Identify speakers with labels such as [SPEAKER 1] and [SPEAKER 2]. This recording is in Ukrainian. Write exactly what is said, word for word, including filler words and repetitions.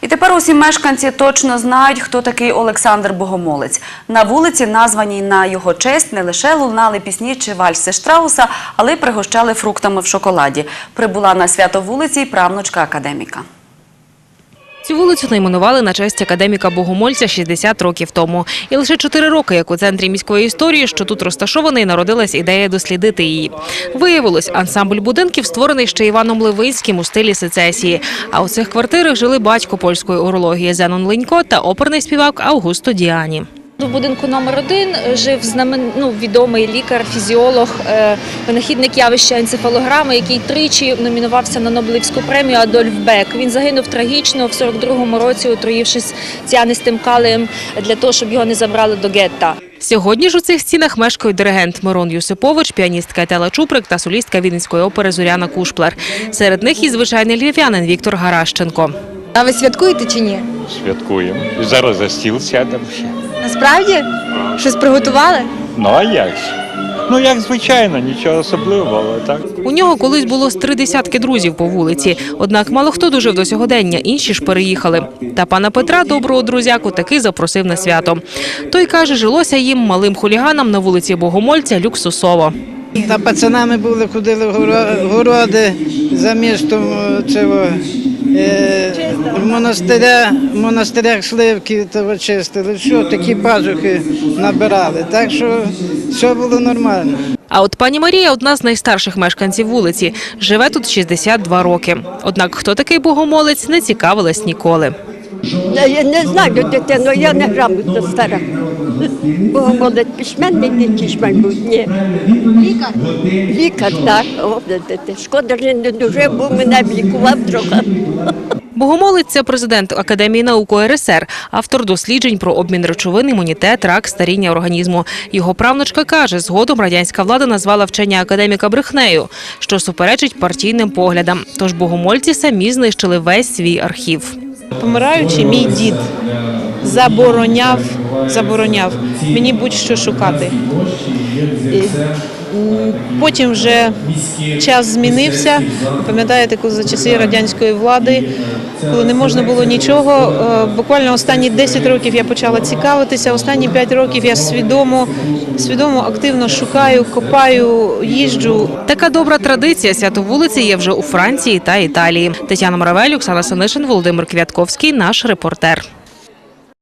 [SPEAKER 1] І тепер усі мешканці точно знають, хто такий Олександр Богомолець. На вулиці, названій на його честь, не лише лунали пісні чи вальси Штрауса, але й пригощали фруктами в шоколаді. Прибула на свято вулиці й правнучка академіка.
[SPEAKER 2] Цю вулицю найменували на честь академіка Богомольця шістдесят років тому. І лише чотири роки, як у центрі міської історії, що тут розташований, народилась ідея дослідити її. Виявилось, ансамбль будинків створений ще Іваном Левинським у стилі сецесії. А у цих квартирах жили батько польської урології Зенон Ленько та оперний співак Аугусто Діані.
[SPEAKER 3] В будинку номер один жив знамен... ну, відомий лікар, фізіолог, е... винахідник явища енцефалограми, який тричі номінувався на Нобелівську премію Адольф Бек. Він загинув трагічно в сорок другому році, отруївшись ціанистим калієм для того, щоб його не забрали до гетта.
[SPEAKER 2] Сьогодні ж у цих стінах мешкають диригент Мирон Юсипович, піаністка Етела Чуприк та солістка Вінницької опери Зоряна Кушплер. Серед них і звичайний львів'янин Віктор Гаращенко.
[SPEAKER 4] А ви святкуєте чи ні?
[SPEAKER 5] Святкуємо. І зараз за стіл сядемо ще.
[SPEAKER 4] Насправді? Щось приготували?
[SPEAKER 5] Ну а як ж? Ну як звичайно, нічого особливого, але так.
[SPEAKER 2] У нього колись було з три десятки друзів по вулиці. Однак мало хто дожив до сьогодення, інші ж переїхали. Та пана Петра, доброго друзяку, таки запросив на свято. Той каже, жилося їм, малим хуліганам, на вулиці Богомольця люксусово.
[SPEAKER 6] Та пацанами були, ходили в городи за містом цього, е, в монастиря, в монастирях сливки того чистили, що такі пазухи набирали, так що все було нормально.
[SPEAKER 2] А от пані Марія – одна з найстарших мешканців вулиці. Живе тут шістдесят два роки. Однак хто такий Богомолець, не цікавилась ніколи.
[SPEAKER 7] Я не знаю, дитино, я не грамотно стара. Богомолець письменник, чи мабуть, ні. Лікар? Лікар, так. О, шкода, що не дуже, бо мене лікував трохи.
[SPEAKER 2] Богомолець – це президент Академії наук УРСР, автор досліджень про обмін речовин, імунітет, рак, старіння організму. Його правнучка каже, згодом радянська влада назвала вчення академіка брехнею, що суперечить партійним поглядам. Тож богомольці самі знищили весь свій архів.
[SPEAKER 8] Помираючи, мій дід забороняв, забороняв мені будь-що шукати. Потім вже час змінився. Пам'ятаєте, коли за часи радянської влади, коли не можна було нічого, буквально останні десять років я почала цікавитися, останні п'ять років я свідомо, свідомо активно шукаю, копаю, їжджу.
[SPEAKER 2] Така добра традиція свято вулиці є вже у Франції та Італії. Тетяна Моравель, Оксана Санишин, Володимир Квятковський, наш репортер.